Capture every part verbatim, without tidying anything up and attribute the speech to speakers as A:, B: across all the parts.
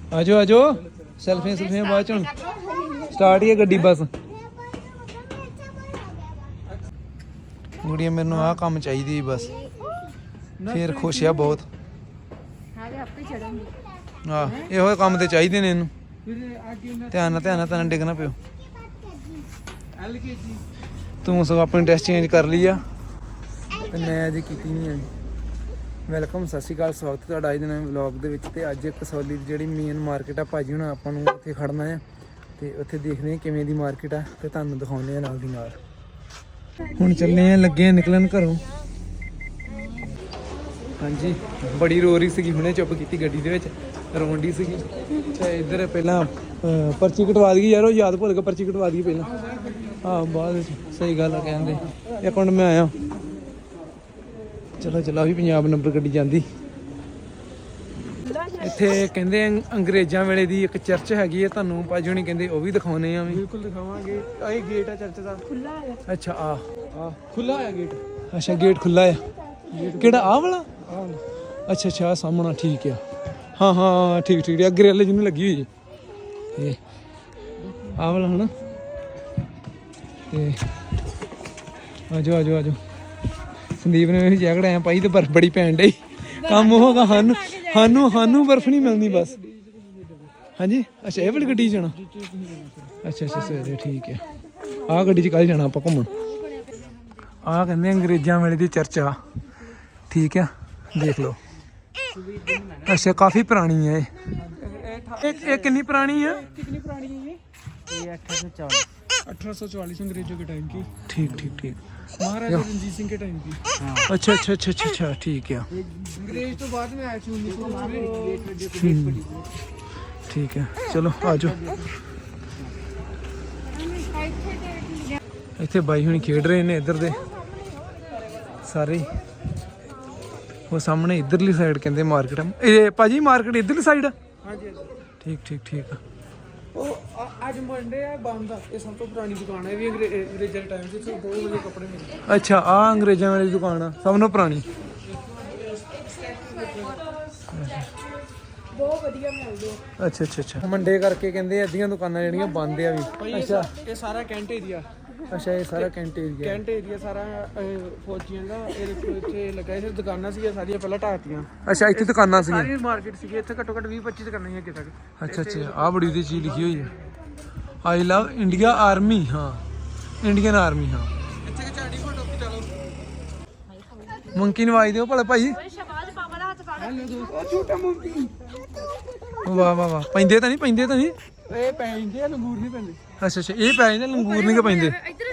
A: आजो आजो सैल्फियां सुल्फियां बाद च स्टार्ट ही है गड्डी बस गुड़िया मेरे आ काम चाहिए बस फिर खुश है बहुत हाँ यो काम तो चाहिए ने इनू ध्यान ध्यान ध्यान डिगना पियो तू सगों अपनी ड्रैस चेंज कर ली आ मैं अजे की नहीं आई ਵੈਲਕਮ ਸਤਿ ਸ਼੍ਰੀ ਅਕਾਲ ਸਵਾਗਤ ਤੁਹਾਡਾ ਅੱਜ ਦੇ ਨਵੇਂ ਵਲੌਗ ਦੇ ਵਿੱਚ। ਤੇ ਅੱਜ ਕਸੌਲੀ ਦੀ ਜਿਹੜੀ ਮੇਨ ਮਾਰਕੀਟ ਆ ਭਾਜੀ ਹੁਣ ਆਪਾਂ ਨੂੰ ਉੱਥੇ ਖੜਨਾ ਆ ਤੇ ਉੱਥੇ ਦੇਖਦੇ ਆ ਕਿਵੇਂ ਦੀ ਮਾਰਕੀਟ ਆ ਤੇ ਤੁਹਾਨੂੰ ਦਿਖਾਉਂਦੇ ਆ ਨਾਲ ਦੀ ਨਾਲ। ਹੁਣ ਚੱਲੇ ਆ ਲੱਗੇ ਆ ਨਿਕਲਣ ਘਰੋਂ। ਹਾਂਜੀ ਬੜੀ ਰੋ ਰਹੀ ਸੀਗੀ ਹੁਣੇ ਚੁੱਪ ਕੀਤੀ ਗੱਡੀ ਦੇ ਵਿੱਚ ਰੋਣ ਦੀ ਸੀਗੀ ਤੇ ਇੱਧਰ ਪਹਿਲਾਂ ਪਰਚੀ ਕਟਵਾ ਦਈਏ ਯਾਰ ਉਹ ਯਾਦ ਭੁੱਲ ਗਿਆ ਪਰਚੀ ਕਟਵਾ ਦਈਏ ਪਹਿਲਾਂ ਹਾਂ ਬਾਅਦ ਵਿੱਚ ਸਹੀ ਗੱਲ ਆ ਕਹਿੰਦੇ ਇੱਕ ਮਿੰਟ ਮੈਂ ਆਇਆ ਚਲੋ ਚਲੋ ਵੀ ਪੰਜਾਬ ਨੰਬਰ ਗੱਡੀ ਜਾਂਦੀ। ਇੱਥੇ ਕਹਿੰਦੇ ਅੰਗਰੇਜ਼ਾਂ ਵੇਲੇ ਦੀ ਇੱਕ ਚਰਚ ਹੈਗੀ ਹੈ ਤੁਹਾਨੂੰ ਭਾਜੀ ਹੁਣੀ ਕਹਿੰਦੇ ਉਹ ਵੀ ਦਿਖਾਉਣੇ ਆ। ਬਿਲਕੁਲ ਦਿਖਾਵਾਂਗੇ ਇਹ ਗੇਟ ਆ ਚਰਚ ਦਾ ਖੁੱਲਾ ਹੈ। ਅੱਛਾ ਆ ਆ ਖੁੱਲਾ ਆ ਗੇਟ। ਅੱਛਾ ਗੇਟ ਖੁੱਲਾ ਆ ਕਿਹੜਾ ਆਹ ਵਾਲਾ ਅੱਛਾ ਅੱਛਾ ਸਾਹਮਣਾ ਠੀਕ ਆ ਹਾਂ ਹਾਂ ਠੀਕ ਠੀਕ ਆ ਗ੍ਰਿਲ ਜਿਹਨੂੰ ਲੱਗੀ ਹੋਈ ਜੀ ਇਹ ਆਹ ਵਾਲਾ ਹਨਾ ਤੇ ਆਜੋ ਆਜੋ ਆਜੋ ਸੰਦੀਪ ਨੇ ਮੇਰੀ ਜੈਕਟ ਐ ਪਾਈ ਤੇ ਬਰਫ ਬੜੀ ਪੈਣ ਡਈ ਕੰਮ ਹੋਗਾ ਸਾਨੂੰ ਸਾਨੂੰ ਸਾਨੂੰ ਬਰਫ ਨਹੀਂ ਮਿਲਣੀ ਬਸ। ਹਾਂਜੀ ਅੱਛਾ ਇਹ ਵਾਲੀ ਗੱਡੀ 'ਚ ਜਾਣਾ ਅੱਛਾ ਅੱਛਾ ਸਵੇਰੇ ਠੀਕ ਹੈ ਆਹ ਗੱਡੀ 'ਚ ਕੱਲ੍ਹ ਜਾਣਾ ਆਪਾਂ ਘੁੰਮਣ। ਆਹ ਕਹਿੰਦੇ ਅੰਗਰੇਜ਼ਾਂ ਵੇਲੇ ਦੀ ਚਰਚ ਆ ਠੀਕ ਆ ਦੇਖ ਲਓ। ਅੱਛਾ ਕਾਫੀ ਪੁਰਾਣੀ ਹੈ ਇਹ ਇਹ ਕਿੰਨੀ ਪੁਰਾਣੀ ਹੈ ਕਿੰਨੀ ਪੁਰਾਣੀ है ये अठारह सौ चालीस अठारह सौ चालीस अंग्रेजों के टाइम की। ठीक ठीक ठीक महाराजा रंजीत सिंह के टाइम की। अच्छा अच्छा अच्छा अच्छा अच्छा ठीक है अंग्रेज तो बाद में आए थे उन्नीस सौ ठीक है चलो आ जाओ। ਇੱਥੇ ਬਾਈ ਹੁਣੀ ਖੇਡ ਰਹੇ ਨੇ ਇੱਧਰ ਦੇ ਸਾਰੇ ਉਹ ਸਾਹਮਣੇ ਇੱਧਰਲੀ ਸਾਈਡ ਕਹਿੰਦੇ ਮਾਰਕੀਟ ਇਹ ਭਾਜੀ ਮਾਰਕੀਟ ਇੱਧਰਲੀ ਸਾਈਡ ਆ। ਹਾਂਜੀ ਠੀਕ ਠੀਕ ਠੀਕ ਆ। ਉਹ ਅੱਜ ਮੰਡੇ ਆ ਬੰਦ ਆ ਇਹ ਸਭ ਤੋਂ ਪੁਰਾਣੀ ਦੁਕਾਨ ਹੈ ਵੀ ਅੰਗਰੇਜ਼ਾਂ ਦੇ ਟਾਈਮ 'ਚ ਇੱਥੇ ਬਹੁਤ ਵਧੀਆ ਕੱਪੜੇ ਮਿਲਦੇ। ਅੱਛਾ ਆ ਅੰਗਰੇਜ਼ਾਂ ਵਾਲੀ ਦੁਕਾਨ ਆ ਸਭ ਤੋਂ ਪੁਰਾਣੀ ਬਹੁਤ ਵਧੀਆ ਮਿਲਦੇ। ਅੱਛਾ ਅੱਛਾ ਅੱਛਾ ਮੰਡੇ ਕਰਕੇ ਕਹਿੰਦੇ ਅੱਧੀਆਂ ਦੁਕਾਨਾਂ ਜਿਹੜੀਆਂ ਬੰਦ ਆ ਵੀ। ਅੱਛਾ ਇਹ ਸਾਰਾ ਕੈਂਟ ਏਰੀਆ। ਅੱਛਾ ਇਹ ਸਾਰਾ ਕੈਂਟ ਏਰੀਆ ਕੈਂਟ ਏਰੀਆ ਸਾਰਾ ਫੌਜੀਆਂ ਦਾ ਇਹ ਇੱਥੇ ਲੱਗਾ ਸੀ ਦੁਕਾਨਾਂ ਸੀਗੀਆਂ ਸਾਰੀਆਂ ਪਹਿਲਾਂ ਢਾਹਤੀਆਂ। ਅੱਛਾ ਇੱਥੇ ਦੁਕਾਨਾਂ ਸੀਗੀਆਂ ਸਾਰੀ ਮਾਰਕੀਟ ਸੀਗੀ ਇੱਥੇ ਘੱਟੋ ਘੱਟ ਵੀਹ ਪੱਚੀ ਦੁਕਾਨਾਂ ਹੀ ਅੱਗੇ ਤੱਕ। ਅੱਛਾ ਅੱਛਾ ਆਹ ਬੜੀ ਉਹਦੀ ਚੀਜ਼ ਲਿਖੀ ਹੋਈ ਹੈ ਆਈ ਲਵ ਇੰਡੀਆ ਆਰਮੀ ਹਾਂ ਇੰਡੀਅਨ ਆਰਮੀ ਹਾਂ। ਇੱਥੇ ਕਿ ਝਾੜੀ ਫੋਟੋ ਚਲੋ ਮੰਕੀ ਨੂੰ ਆਵਾਜ਼ ਦਿਓ ਭਲਾ ਭਾਈ। ਵਾਹ ਵਾਹ ਵਾਹ ਪੈਂਦੇ ਤਾਂ ਨਹੀਂ ਪੈਂਦੇ ਤਾਂ ਨਹੀਂ ਇਹ ਪੈਂਦੇ ਆ ਲੰਗੂਰ ਨਹੀਂ ਪੈਂਦੇ। ਅੱਛਾ ਅੱਛਾ ਇਹ ਪੈ ਜਾਂਦੇ ਲੰਗੂਰ ਨਹੀਂ ਕਿ ਪੈਂਦੇ।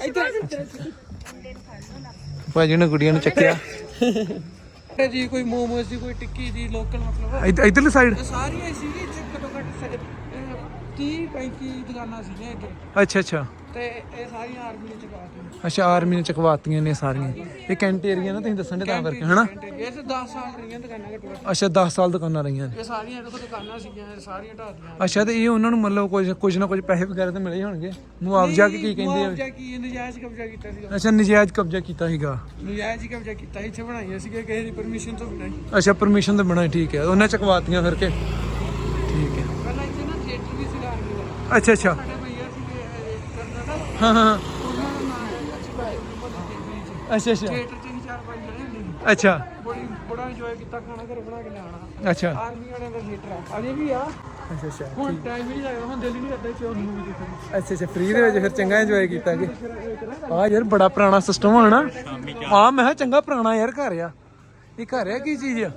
A: ਭਾਜੀ ਨੇ ਗੁੜੀਆਂ ਨੂੰ ਚੱਕਿਆ ਜੀ ਕੋਈ ਮੋਮੋਸ ਦੀ ਕੋਈ ਟਿੱਕੀ ਦੀ ਲੋਕਲ ਮਤਲਬ ਇੱਧਰਲੀ ਸਾਈਡ ਸਾਰੀਆਂ ਸੀਗੀ ਇੱਥੇ ਘੱਟੋ ਘੱਟ ਤੀਹ ਪੈਂਤੀ ਦੁਕਾਨਾਂ ਸੀਗੀਆਂ ਇੱਧਰ। ਅੱਛਾ ਅੱਛਾ ਤੇ ਇਹ ਸਾਰੀਆਂ ਆਰਮੀ ਨੇ ਚਕਵਾਤੀਆਂ। ਅੱਛਾ ਆਰਮੀ ਨੇ ਚਕਵਾਤੀਆਂ ਨੇ ਸਾਰੀਆਂ ਇਹ ਕੈਂਟ ਏਰੀਆ ਨਾ ਤੁਸੀਂ ਦੱਸਣ ਦੇ ਤਾਂ ਕਰਕੇ ਹਨਾ। ਇਹ ਤੇ ਦਸ ਸਾਲ ਰਹੀਆਂ ਦੁਕਾਨਾਂ ਘੱਟੋ ਘੱਟ। ਅੱਛਾ ਦਸ ਸਾਲ ਦੁਕਾਨਾਂ ਰਹੀਆਂ ਨੇ ਇਹ ਸਾਰੀਆਂ ਦੇਖੋ ਦੁਕਾਨਾਂ ਸੀਗੀਆਂ ਸਾਰੀਆਂ ਢਾਹਤੀਆਂ। ਅੱਛਾ ਤੇ ਇਹ ਉਹਨਾਂ ਨੂੰ ਮਤਲਬ ਕੁਝ ਕੁਝ ਨਾ ਕੁਝ ਪੈਸੇ ਵਗੈਰਾ ਤਾਂ ਮਿਲੇ ਹੋਣਗੇ ਮੁਆਵਜ਼ਾ ਕੀ ਕਹਿੰਦੇ ਆ। ਮੁਆਵਜ਼ਾ ਕੀ ਨਜਾਇਜ਼ ਕਬਜ਼ਾ ਕੀਤਾ ਸੀਗਾ। ਅੱਛਾ ਨਜਾਇਜ਼ ਕਬਜ਼ਾ ਕੀਤਾ ਸੀਗਾ ਨਜਾਇਜ਼ ਹੀ ਕਬਜ਼ਾ ਕੀਤਾ ਇੱਥੇ ਬਣਾਈਆਂ ਸੀਗੀਆਂ ਕਿਸੇ ਦੀ ਪਰਮਿਸ਼ਨ ਤੋਂ ਬਿਨਾਂ। ਅੱਛਾ ਪਰਮਿਸ਼ਨ ਤੋਂ ਬਿਨਾਂ ਠੀਕ ਹੈ ਉਹਨਾਂ ਚਕਵਾਤੀਆਂ ਫਿਰ ਕੇ ਠੀਕ ਹੈ। ਪਹਿਲਾਂ ਇੱਥੇ ਨਾ ਥੀਏਟਰ ਵੀ ਸੀਗਾ ਆਰਮੀ ਦਾ। ਅੱਛਾ ਅੱਛਾ ਹਾਂ ਹਾਂ ਅੱਛਾ ਅੱਛਾ ਥੀਏਟਰ ਚ ਚਾਰ ਪੰਜ ਜਣੇ ਹੁੰਦੇ। ਅੱਛਾ ਬੜੀ ਬੜਾ ਇੰਜੋਏ ਕੀਤਾ ਖਾਣਾ ਘਰ ਬਣਾ ਕੇ ਲਿਆਉਣਾ। ਅੱਛਾ ਆਰਮੀ ਵਾਲਿਆਂ ਦਾ ਥੀਏਟਰ ਆ ਅਜੇ ਵੀ ਆ। ਅੱਛਾ ਅੱਛਾ ਹੁਣ ਟਾਈਮ ਹੀ ਨਹੀਂ ਲੱਗਦਾ ਹੁਣ ਦਿਲ ਹੀ ਨਹੀਂ ਕਰਦਾ ਕਿ ਉਹ ਮੂਵੀ ਦੇਖਣ। ਅੱਛਾ ਅੱਛਾ ਫ੍ਰੀ ਦੇ ਵਿੱਚ ਫਿਰ ਚੰਗਾ ਇੰਜੋਏ ਕੀਤਾ ਕਿ ਆ ਯਾਰ ਬੜਾ ਪੁਰਾਣਾ ਸਿਸਟਮ ਆ ਨਾ ਆ ਮੈਂ ਕਿਹਾ ਚੰਗਾ ਪੁਰਾਣਾ ਯਾਰ ਘਰ ਆ ਇਹ ਘਰ ਆ ਕੀ ਚੀਜ਼ ਆ।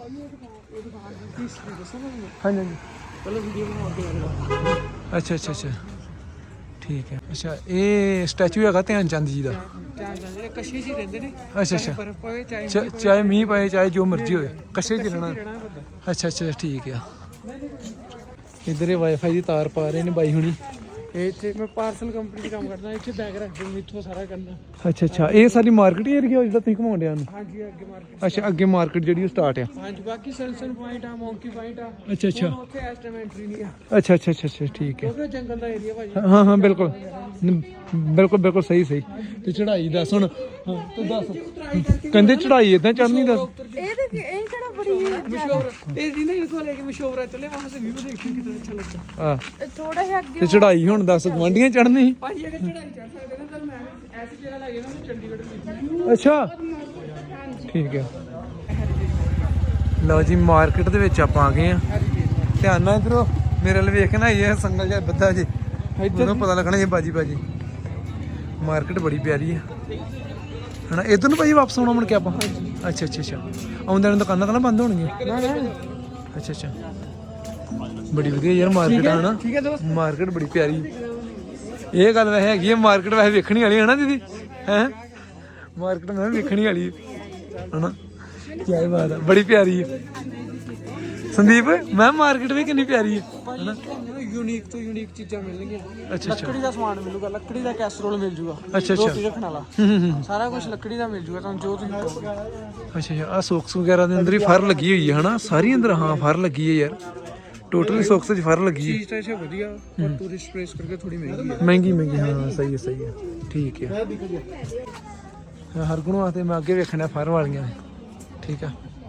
A: ਹਾਂਜੀ ਹਾਂਜੀ ਪਹਿਲਾਂ ਵੀਡੀਓ ਬਣਾ ਕੇ ਅੱਛਾ ਅੱਛਾ ਅੱਛਾ ਠੀਕ ਹੈ। ਅੱਛਾ ਇਹ ਸਟੈਚੂ ਹੈਗਾ ਧਿਆਨ ਚੰਦ ਜੀ ਦਾ। ਕਸ਼ੇ ਜੀ ਰਹਿੰਦੇ ਨੇ। ਅੱਛਾ ਅੱਛਾ ਚਾਹੇ ਮੀਂਹ ਪਏ ਚਾਹੇ ਜੋ ਮਰਜ਼ੀ ਹੋਏ ਕਸ਼ੇ ਚ ਰਹਿਣਾ। ਅੱਛਾ ਅੱਛਾ ਠੀਕ ਆ। ਇੱਧਰ ਇਹ ਵਾਈਫਾਈ ਦੀ ਤਾਰ ਪਾ ਰਹੇ ਨੇ ਬਾਈ ਹੁਣੀ। ਇਹ ਇੱਥੇ ਮੈਂ ਪਾਰਸਲ ਕੰਪਨੀ 'ਚ ਕੰਮ ਕਰਦਾ ਇੱਥੇ ਬੈਗ ਰੱਖਦੇ ਮੈਂ ਇੱਥੋਂ ਸਾਰਾ ਕਰਨਾ। ਅੱਛਾ ਅੱਛਾ ਇਹ ਸਾਰੀ ਮਾਰਕੀਟ ਏਰੀਆ ਜਿਹੜਾ ਤੁਸੀਂ ਘੁਮਾਉਂਦੇ ਆ
B: ਹਾਂਜੀ ਅੱਗੇ ਮਾਰਕੀਟ
A: ਅੱਛਾ ਅੱਗੇ ਮਾਰਕੀਟ ਜਿਹੜੀ ਉਹ ਸਟਾਰਟ ਆ
B: ਹਾਂਜੀ ਬਾਕੀ ਸਨਸਨ ਪੁਆਇੰਟ ਆ ਮੌਂਕੀ ਪੁਆਇੰਟ ਆ
A: ਅੱਛਾ ਅੱਛਾ
B: ਹੁਣ ਉੱਥੇ ਇਸ ਟਾਈਮ ਐਂਟਰੀ ਨਹੀਂ ਆ
A: ਅੱਛਾ ਅੱਛਾ ਅੱਛਾ ਅੱਛਾ ਠੀਕ ਹੈ
B: ਕਿਉਂਕਿ ਜੰਗਲ ਦਾ ਏਰੀਆ ਭਾਜੀ
A: ਹਾਂ ਹਾਂ ਬਿਲਕੁਲ ਨ- ਬਿਲਕੁਲ ਬਿਲਕੁਲ ਸਹੀ ਸਹੀ ਤੇ ਚੜਾਈ ਦੱਸ ਹੁਣ ਹਾਂ ਤੂੰ ਦੱਸ ਕਹਿੰਦੇ ਚੜਾਈ ਇਦਾਂ ਚੜਨੀ ਦੱਸ
C: ਇਹ ਤੇ ਇਹ ਕਿਹੜਾ ਬੜੀ
B: ਮਸ਼ਹੂਰ ਇਹ ਜੀ ਨਾ ਇनको लेके मशहूर है चले वहां से व्यू देखिए कितना अच्छा लगता है
A: ਆ
C: ਥੋੜਾ ਜਿਹਾ ਅੱਗੇ
A: ਤੇ ਚੜਾਈ ਹੁਣ ਦੱਸ ਗਵਾਂਡੀਆਂ ਚੜਨੀ
B: ਭਾਜੀ ਅਗਰ ਚੜਾਈ ਚੜ ਸਕਦੇ ਨਾ ਤਾਂ ਮੈਂ ਐਸੀ ਜਗ੍ਹਾ ਲੱਗੇ ਨਾ ਮੈਂ ਚੰਡੀਗੜ੍ਹ ਵਿੱਚ
A: ਅੱਛਾ ਠੀਕ ਹੈ ਲਓ ਜੀ ਮਾਰਕੀਟ ਦੇ ਵਿੱਚ ਆਪਾਂ ਆ ਗਏ ਆ ਧਿਆਨ ਨਾਲ ਇਧਰੋਂ ਮੇਰੇ ਵੱਲ ਵੇਖ ਕੇ ਨਾ ਇਹ ਸੰਗਲ ਜਿਹਾ ਬੱਧਾ ਜੀ ਇੱਧਰੋਂ ਪਤਾ ਲੱਗਣਾ ਇਹ ਬਾਜੀ ਬਾਜੀ ਮਾਰਕੀਟ ਬੜੀ ਪਿਆਰੀ ਹੈ ਹਨਾ ਇਧਰ ਨੂੰ ਭਾਈ ਵਾਪਸ ਆਉਣਾ ਮੁੜ ਕੇ ਆਪਾਂ ਅੱਛਾ ਅੱਛਾ ਅੱਛਾ ਆਉਂਦੇ ਨੂੰ ਦੁਕਾਨਾਂ ਤਾਂ ਨਾ ਬੰਦ ਹੋਣਗੀਆਂ
B: ਨਾ ਨਾ
A: ਅੱਛਾ ਅੱਛਾ ਬੜੀ ਵਧੀਆ ਯਾਰ ਮਾਰਕੀਟ ਆ ਨਾ
B: ਠੀਕ ਹੈ ਦੋਸਤ
A: ਮਾਰਕੀਟ ਬੜੀ ਪਿਆਰੀ ਇਹ ਗੱਲ ਵੈਸੇ ਹੈਗੀ ਹੈ ਮਾਰਕੀਟ ਵੈਸੇ ਵੇਖਣੀ ਵਾਲੀ ਹੈ ਨਾ ਦੀਦੀ ਹੈ ਮਾਰਕੀਟ ਮੈਂ ਵੀ ਵੇਖਣੀ ਵਾਲੀ ਹੈ ਹਨਾ ਕੀ ਬਾਤ ਹੈ ਬੜੀ ਪਿਆਰੀ ਹੈ ਸੰਦੀਪ ਮੈਂ ਮਾਰਕੀਟ ਵੀ ਕਿੰਨੀ ਪਿਆਰੀ ਹੈ ਹਨਾ
B: ਯੂਨੀਕ ਤੋਂ ਯੂਨੀਕ ਚੀਜ਼ਾਂ ਮਿਲਣਗੀਆਂ
A: ਅੱਛਾ ਅੱਛਾ
B: ਲੱਕੜੀ ਦਾ ਸਮਾਨ ਮਿਲੂਗਾ ਲੱਕੜੀ ਦਾ ਕੈਸਰੋਲ ਮਿਲ ਜੂਗਾ
A: ਅੱਛਾ ਅੱਛਾ
B: ਰੋਟੀ ਰੱਖਣ ਵਾਲਾ
A: ਹੂੰ ਹੂੰ ਹੂੰ।
B: ਸਾਰਾ ਕੁਝ ਲੱਕੜੀ ਦਾ ਮਿਲ ਜੂਗਾ ਤੁਹਾਨੂੰ ਜੋ ਤੁਸੀਂ ਕਹੋਗੇ
A: ਅੱਛਾ ਅੱਛਾ ਆ ਸੋਕਸ ਵਗੈਰਾ ਦੇ ਅੰਦਰ ਹੀ ਫਰ ਲੱਗੀ ਹੋਈ ਹੈ ਹਨਾ ਸਾਰੀ ਅੰਦਰ ਹਾਂ ਫਰ ਲੱਗੀ ਹੈ ਯਾਰ ਟੋਟਲੀ ਸੋਕਸ 'ਚ ਫਰ ਲੱਗੀ ਹੈ
B: ਚੀਜ਼ ਤਾਂ ਇਹ ਵਧੀਆ ਪਰ ਟੂਰਿਸਟ ਪਲੇਸ ਕਰਕੇ ਥੋੜੀ ਮਹਿੰਗੀ ਹੈ
A: ਮਹਿੰਗੀ ਮਹਿੰਗੀ ਹਾਂ ਸਹੀ ਹੈ ਸਹੀ ਹੈ ਠੀਕ ਹੈ ਹਰ ਗੁਣ ਵਾਸਤੇ ਮੈਂ ਅੱਗੇ ਵੇਖਣਾ ਫਰ ਵਾਲੀਆਂ ਠੀਕ ਆ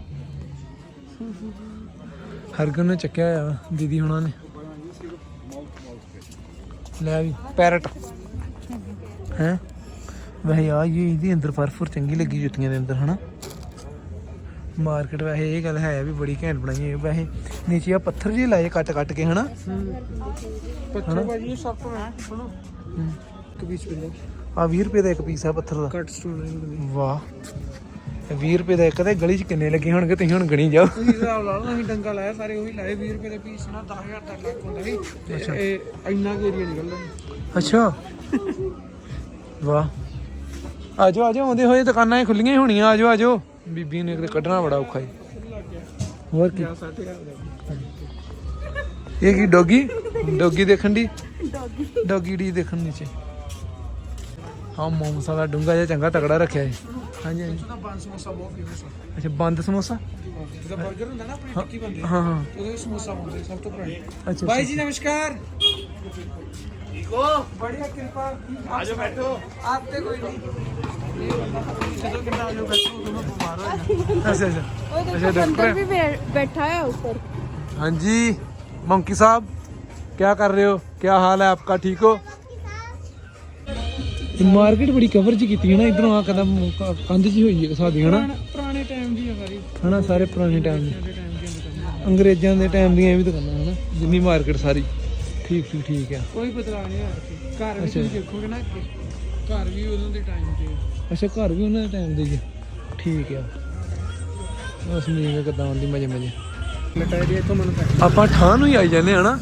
A: ਹਰਗਨ ਨੇ ਚੱਕਿਆ ਹੋਇਆ ਦੀਦੀ ਹੁਣਾਂ ਨੇ ਲੈ ਵੀ ਪੈਰਟ ਹੈ ਵੈਸੇ ਆ ਇਹ ਇਹਦੇ ਅੰਦਰ ਫਰਫੁਰ ਚੰਗੀ ਲੱਗੀ ਜੁੱਤੀਆਂ ਦੇ ਅੰਦਰ ਹਨਾ ਮਾਰਕੀਟ ਵੈਸੇ ਇਹ ਗੱਲ ਹੈ ਵੀ ਬੜੀ ਘੈਂਟ ਬਣਾਈ ਹੈ ਵੈਸੇ ਨੀਚੇ ਆ ਪੱਥਰ ਜਿਹੇ ਲਾਏ ਕੱਟ ਕੱਟ ਕੇ ਹਨਾ
B: ਪੱਥਰ ਭਾਜੀ ਸਭ ਤੋਂ ਮੈਂ ਸੁਣੋ ਇੱਕ ਪੀਸ ਮਿਲਦਾ
A: ਆ ਵੀਹ ਰੁਪਏ ਦਾ ਇੱਕ ਪੀਸ ਆ ਪੱਥਰ ਦਾ
B: ਕੱਟ ਸਟੋਨ ਹੈ
A: ਵਾਹ ਵੀਹ ਰੁਪਏ ਦਾ ਇੱਕ ਤੇ ਗਲੀ 'ਚ ਕਿੰਨੇ ਲੱਗੇ ਹੋਣਗੇ ਤੁਸੀਂ ਹੁਣ ਗਣੀ ਜਾਓ
B: ਤੁਸੀਂ ਹਿਸਾਬ ਲਾ ਲਓ ਅਸੀਂ ਡੰਗਾ ਲਾਇਆ ਸਾਰੇ ਉਹੀ ਲਾਏ ਵੀਹ ਰੁਪਏ ਦੇ ਪੀਸ ਨਾ ਦਸ ਹਜ਼ਾਰ ਤੱਕ ਲੱਗ ਹੁੰਦਾ ਸੀ ਤੇ ਇਹ ਇੰਨਾ ਕੁ ਏਰੀਆ ਨਿਕਲਦਾ
A: ਅੱਛਾ ਵਾਹ ਆਜੋ ਆਜੋ ਆਉਂਦੇ ਹੋਏ ਦੁਕਾਨਾਂ ਹੀ ਖੁੱਲੀਆਂ ਹੀ ਹੋਣੀਆਂ ਆਜੋ ਆਜੋ ਬੀਬੀ ਨੇ ਕਿਤੇ ਕੱਢਣਾ ਬੜਾ ਔਖਾ ਹੀ ਹੋਰ ਕੀ ਇਹ ਕੀ ਡੋਗੀ ਡੋਗੀ ਦੇਖਣ ਦੀ ਡੋਗੀ ਡੀ ਦੇਖਣ ਨੀਚੇ ਹਾਂ ਮੋਮਸਾ ਦਾ ਡੂੰਗਾ ਜਿਹਾ ਚੰਗਾ ਤਕੜਾ ਰੱਖਿਆ ਹੈ ਹਾਂਜੀ ਹਾਂਜੀ
B: ਉਹਦਾ ਬੰਦ ਸਮੋਸਾ ਬਹੁਤ ਫੇਮਸ ਹੈ
A: ਅੱਛਾ ਬੰਦ ਸਮੋਸਾ
B: ਜਿਹਦਾ 버ਗਰ ਹੁੰਦਾ ਨਾ ਆਪਣੀ ਟਿੱਕੀ ਬਣਦੀ
A: ਹਾਂ ਹਾਂ
B: ਉਹਦੇ ਵਿੱਚ ਸਮੋਸਾ ਬਣਦਾ ਸਭ ਤੋਂ ਪੁਰਾਣਾ
A: ਅੱਛਾ
B: भाई जी नमस्कार ठीक हो बढ़िया कृपा आजो बैठो आते कोई नहीं चलो कितना आजो बैठो तुम बीमार हो
A: ਅੱਛਾ ਅੱਛਾ
C: ਉਹ
A: अच्छा,
C: ਦੇਖੋ
A: डॉक्टर
C: ਬੰਦਰ
A: है।
C: ਵੀ ਬੈ- ਬੈਠਾ ਹੈ ਉੱਪਰ
A: हाँ जी मंकी साहब क्या कर रहे हो क्या हाल है आपका ठीक हो ਮਾਰਕੀਟ ਬੜੀ ਕਵਰ ਜੀ ਕੀਤੀ ਹੈ ਨਾ ਇਧਰੋਂ ਆ ਕਦਮ ਕੰਧ ਜੀ ਹੋਈ ਹੈ ਸਾਡੀ ਹਨਾ
B: ਪੁਰਾਣੇ ਟਾਈਮ ਦੀ ਹੈ ਸਾਰੀ
A: ਹਨਾ ਸਾਰੇ ਪੁਰਾਣੇ ਟਾਈਮ ਦੇ
B: ਦੇ ਟਾਈਮ ਦੀਆਂ ਦੁਕਾਨਾਂ
A: ਅੰਗਰੇਜ਼ਾਂ ਦੇ ਟਾਈਮ ਦੀਆਂ ਇਹ ਵੀ ਦੁਕਾਨਾਂ ਹਨਾ ਜਿੰਨੀ ਮਾਰਕੀਟ ਸਾਰੀ ਠੀਕ ਠੀਕ ਠੀਕ ਆ
B: ਕੋਈ ਬਦਲਾਅ ਨਹੀਂ ਹੋਇਆ ਇੱਥੇ। ਘਰ ਵੀ ਤੁਸੀਂ ਦੇਖੋਗੇ ਨਾ ਅੱਗੇ, ਘਰ ਵੀ ਉਹਨਾਂ ਦੇ ਟਾਈਮ ਦੇ ਆ।
A: ਅੱਛਾ ਘਰ ਵੀ ਉਹਨਾਂ ਦੇ ਟਾਈਮ ਦੇ ਹੀ ਆ ਠੀਕ ਆ ਉਸ ਮੀਂਹ ਕਿਦਾਂ ਆਉਂਦੀ ਮਜੇ ਮਜੇ
B: ਲਟਾਈ ਦੇ ਇੱਥੋਂ ਮਨ ਤੱਕ
A: ਆਪਾਂ ਠਾਹ ਨੂੰ ਹੀ ਆਈ ਜਾਂਦੇ ਹਨਾ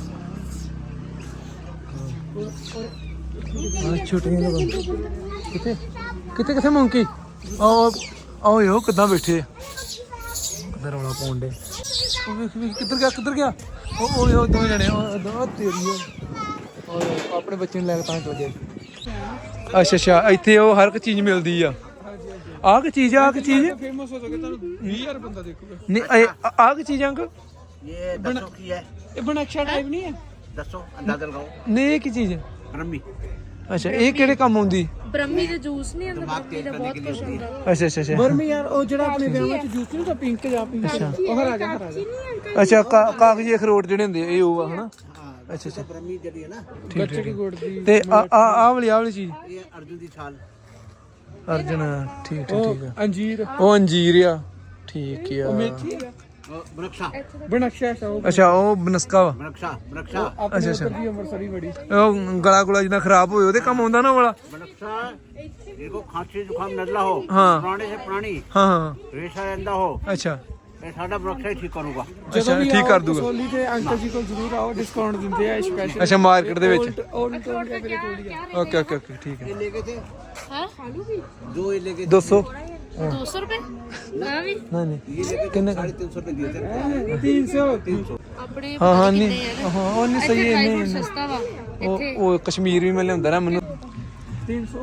A: ਆ ਛੋਟੀਆਂ ਲੋਕ ਕਿੱਥੇ ਕਿੱਥੇ ਕਿੱਥੇ ਮੰਕੀ ਆਓ ਆਓ ਯੋ ਕਿੱਦਾਂ ਬੈਠੇ ਆ ਕਿੱਧਰ ਰੌਲਾ ਪਾਉਣ ਡੇ ਉਹ ਵੇਖ ਵੇਖ ਕਿੱਧਰ ਗਿਆ ਕਿੱਧਰ ਗਿਆ ਉਹ ਉਹ ਉਹ ਦੋਵੇਂ ਜਣੇ ਉਹ ਦੋ ਤੇਰੀ ਉਹ ਆਪਣੇ ਬੱਚੇ ਨੂੰ ਲੈ ਕੇ ਤਾਂ ਚਲ ਗਏ ਅੱਛਾ ਅੱਛਾ ਇੱਥੇ ਉਹ ਹਰ ਇੱਕ ਚੀਜ਼ ਮਿਲਦੀ ਆ ਆਹ ਕੀ ਚੀਜ਼ ਆ ਆਹ ਕੀ ਚੀਜ਼
B: ਫੇਮਸ ਹੋ ਜਾਓਗੇ ਤੁਹਾਨੂੰ ਵੀਹ ਹਜ਼ਾਰ ਬੰਦਾ ਦੇਖੂਗਾ
A: ਨਹੀਂ ਇਹ- ਆਹ ਕੀ ਚੀਜ਼ ਆ ਅੰਕਲ
D: ये दसों की है
B: ਇਹ ਬਣਾਕਸ਼ਾ ਟਾਈਪ ਨਹੀਂ ਹੈ
D: दसों अंदाजा लगाओ
A: ਨਹੀਂ ਇਹ ਕੀ ਚੀਜ਼ ਹੈ
D: ब्रह्मी
A: ਅੱਛਾ ਇਹ ਕਿਹੜੇ ਕੰਮ ਆਉਂਦੀ
C: ਬ੍ਰਹਮੀ ਦੇ ਜੂਸ ਨਹੀਂ ਅੰਦਰ ਬ੍ਰਹਮੀ ਦਾ ਬਹੁਤ ਕੁਝ ਹੁੰਦਾ
A: ਅੱਛਾ ਅੱਛਾ ਅੱਛਾ
B: ਬਰਮੀ ਯਾਰ ਉਹ ਜਿਹੜਾ ਆਪਣੇ ਵਿਆਹਾਂ ਚ ਜੂਸ ਨਹੀਂ ਤਾਂ ਪਿੰਕ ਜਾਂ ਪਿੰਕ ਉਹ ਹਰਾ ਜਾ ਹਰਾ ਜਾ
A: ਅੱਛਾ ਕਾ- ਕਾਗਜ਼ੀ ਅਖਰੋਟ ਜਿਹੜੇ ਹੁੰਦੇ ਆ, ਇਹ ਉਹ ਆ ਹਨਾ ਅੱਛਾ ਅੱਛਾ
D: ब्रह्मी जड़ी है ना
B: ਬੱਚੇ ਦੀ ਗੁੜ ਦੀ
A: ਤੇ ਆ ਆ ਆਹ ਵਾਲੀ ਆਹ ਵਾਲੀ ਚੀਜ਼
D: ये अर्जुन की छाल
A: ਅਰਜਨ ਠੀਕ ਠੀਕ ਠੀਕ ਆ
B: ਅੰਜੀਰ
A: ਉਹ ਅੰਜੀਰ ਆ ਠੀਕ ਆ
B: ਮੇਥੀ
D: और वृक्षा
B: ਬਣਾਕਸ਼ਾ ਸ਼ਾਹ
A: ਅੱਛਾ ਉਹ ਬਨਸਕਾ ਵਾ
D: वृक्षा वृक्षा
B: ਆਪਣੇ ਉੱਧਰ ਦੀ ਅੰਮ੍ਰਿਤਸਰੀ ਬੜੀ
A: ਉਹ ਗਲਾ ਗੁਲਾ ਜਿੱਦਾਂ ਖਰਾਬ ਹੋਏ ਉਹਦੇ ਕੰਮ ਆਉਂਦਾ ਨਾ ਉਹ ਵਾਲਾ
D: वृक्षा जिनको खांसी जुकाम नजला हो
A: हाँ।
D: पुराने से पुरानी
A: ਹਾਂ ਹਾਂ
D: रेशा रहता हो
A: ਅੱਛਾ
D: ये साडा वृक्षा ही ठीक करूंगा
A: ਅੱਛਾ ਠੀਕ ਕਰ ਦੂਗਾ
B: ਸੋਲੀ ਤੇ ਅੰਕਲ ਜੀ ਕੋਲ ਜ਼ਰੂਰ ਆਓ ਡਿਸਕਾਊਂਟ ਦਿੰਦੇ ਆ ਸਪੈਸ਼ਲ
A: ਅੱਛਾ ਮਾਰਕੀਟ ਦੇ ਵਿੱਚ
B: 올ਡ ਟੋਨ ਕੈਫੇ ਕੋਲ ਹੀ ਆ
A: ਓਕੇ ਓਕੇ ਓਕੇ ਠੀਕ ਹੈ
D: ये लेके थे
C: ਹਾਂ ਆਲੂ ਵੀ
D: दो ये लेके
A: ਦੋ ਸੌ
C: ਦੋ ਸੌ ਰੁਪਏ ਮੈਂ ਵੀ
A: ਨਹੀਂ ਨਹੀਂ
D: ये लेके
A: कितने
D: साढ़े तीन सौ रुपये दिए थे
B: तीन सौ
D: तीन सौ
C: ਆਪਣੇ
A: ਹਾਂ ਹਾਂ
C: ਪਤਾ ਨੀ
A: ਨਹੀਂ
C: ਕਿੰਨੇ ਆ ਨਾ।
A: ਹਾਂ ਉਹ ਨਹੀਂ ਸਹੀ
C: ਇੱਥੇ
A: ਹੈ
C: ਡਰਾਈ
A: ਨਹੀਂ
C: ਫਰੂਟ ਸਸਤਾ ਵਾ
A: ਉਹ
C: ਇੱਥੇ
A: ਉਹ ਕਸ਼ਮੀਰ ਵੀ ਮੈਂ ਲਿਆਉਂਦਾ ਨਾ ਮੈਨੂੰ
B: तीन सौ